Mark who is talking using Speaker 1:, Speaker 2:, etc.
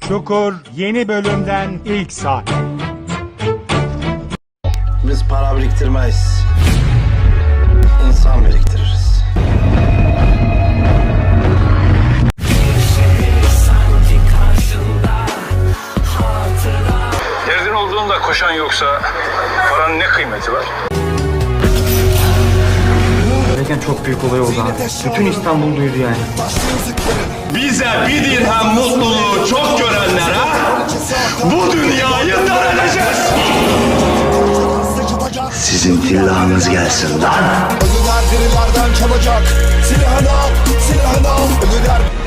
Speaker 1: Çukur yeni bölümden ilk saat.
Speaker 2: Biz para biriktirmeyiz. İnsan biriktiririz.
Speaker 3: Derdin olduğunda koşan yoksa paranın ne kıymeti var?
Speaker 4: Gerçekten çok büyük olay oldu abi. Bütün İstanbul duydu yani.
Speaker 5: Bize bir dirhem mutluluğu çok görenlere bu dünyayı dar edeceğiz.
Speaker 2: Sizin tillanız gelsin lan.
Speaker 6: Ölüler dirilerden çalacak. Silahını al, silahını al. Ölüler